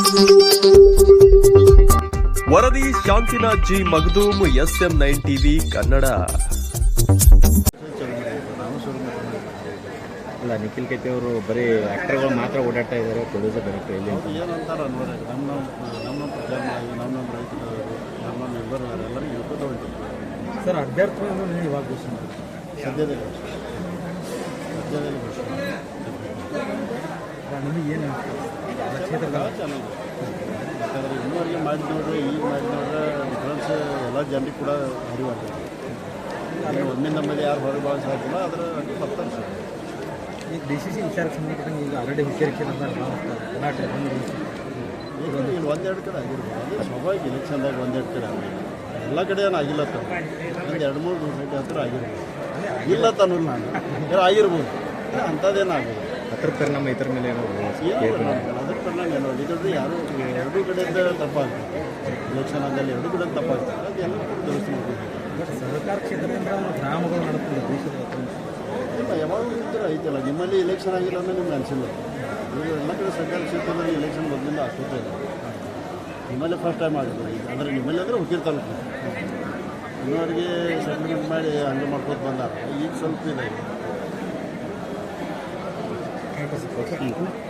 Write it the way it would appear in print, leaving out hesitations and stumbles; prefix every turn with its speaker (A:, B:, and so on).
A: ವರದಿ Shantinath G Magdum SM9 TV Kannada.
B: ಅಲ್ಲ, ನಿಖಿಲ್ ಕೆತ್ತಿ ಅವರು ಬರೀ ಆ್ಯಕ್ಟರ್ಗಳು ಮಾತ್ರ ಓಡಾಡ್ತಾ ಇದ್ದಾರೆ, ಪ್ರೊಡ್ಯೂಸರ್ ಡೈರೆಕ್ಟರ್ ಇಲ್ಲಿ
C: ಏನಂತಾರೆ ಅನ್ನೋರು ನಮ್ಮ ಪ್ರಚಾರ ನಮ್ಮ ರೈತರು ನಮ್ಮ ಮೆಂಬರ್ ಎಲ್ಲರಿಗೂ ಹೇಳ್ಕೊತ ಹೊಂಟಿದ್ರು
B: ಸರ್. ಅಭ್ಯರ್ಥಿಗಳನ್ನು ಇವಾಗ ಘೋಷಣೆ
C: ಸದ್ಯದಲ್ಲಿ ಘೋಷಣೆ
B: ನಿಮಗೆ ಏನು
C: ಚೆನ್ನಾಗಿದೆ. ಯಾಕಂದರೆ ಇನ್ನೂವರೆಗೆ ಮಾಡಿ ನೋಡ್ರಿ, ಈಗ ಮಾಡಿ ನೋಡ್ರೆ ಡಿಫ್ರೆನ್ಸ್ ಎಲ್ಲ ಜನರಿಗೆ ಕೂಡ ಅರಿವಾಗ್ತದೆ. ಒಮ್ಮೆ ನಮ್ಮಲ್ಲಿ ಯಾರು ಹೊರಗೆ ಭಾಳ ಸಾಕಿಲ್ಲ, ಅದರ ಬರ್ತಾರೆ ಸರ್.
B: ಈಗ DCC ವಿಚಾರಕ್ಕೆ ಸಂಬಂಧಪಟ್ಟಂಗೆ ಈಗ ಆಲ್ರೆಡಿ ಹುಷಾರಿಕೆ
C: ಇಲ್ಲಿ ಒಂದೆರಡು ಕಡೆ ಆಗಿರ್ಬೋದು, ಅದು ಸ್ವಾಭಾವಿಕ ಇಲೆಕ್ಷನ್ದಾಗ ಒಂದೆರಡು ಕಡೆ ಆಗಿಲ್ಲ, ಎಲ್ಲ ಕಡೆ ಏನು ಆಗಿಲ್ಲ ತ ಒಂದು 2-3 ಸೈಟ್ ಹತ್ರ ಆಗಿರ್ಬೋದು, ಇಲ್ಲ ತನ್ನೋರು ನಾನು ಏನೋ ಆಗಿರ್ಬೋದು, ಅಂಥದ್ದೇನು ಆಗೋದು.
B: ಅದ್ರ ಪರಿಣಾಮ ಇದ್ರ ಮೇಲೆ ಏನೋ
C: ಅದ್ರ ಪರಿಣಾಮ ಏನೋ ಇದ್ರೆ ಯಾರು ಎರಡೂ ಕಡೆಯಿಂದ ತಪ್ಪಾಗ್ತದೆ. ಇಲೆಕ್ಷನ್ ಆದಲ್ಲಿ ಎರಡೂ ಕಡೆ ತಪ್ಪಾಗ್ತದೆ, ಅದೆಲ್ಲ ದುರಸ್ತಿ ಮಾಡ್ಬೋದು.
B: ಸರ್ಕಾರ ಕ್ಷೇತ್ರದಿಂದ ಗ್ರಾಮಗಳು ನಡೆಸ್ತಾರೆ ದೇಶದ
C: ಇಲ್ಲ, ಯಾವಾಗಲೂ ಇದ್ದರೆ ಐತಲ್ಲ. ನಿಮ್ಮಲ್ಲಿ ಇಲೆಕ್ಷನ್ ಆಗಿಲ್ಲ ಅಂದರೆ ನಿಮ್ಗೆ ಅನಿಸಿಲ್ಲ. ಈಗ ಎಲ್ಲ ಕಡೆ ಸರ್ಕಾರಿ ಕ್ಷೇತ್ರದಲ್ಲಿ ಇಲೆಕ್ಷನ್ ಮೊದಲಿಂದ ಆಗ್ತದೆ ಇಲ್ಲ. ನಿಮ್ಮಲ್ಲೇ ಫಸ್ಟ್ ಟೈಮ್ ಆಗುತ್ತೆ ಈಗ. ಅಂದರೆ ನಿಮ್ಮಲ್ಲಿ ಅಂದರೆ ಹುಡುಗಿರ್ ತಾಲೂಕು ಇನ್ನವರಿಗೆ ಸೆಟ್ಲ್ಮೆಂಟ್ ಮಾಡಿ ಹಂಗೆ ಮಾಡ್ಕೊತ ಬಂದಾರ. ಈಗ ಸ್ವಲ್ಪ ಇದೆ.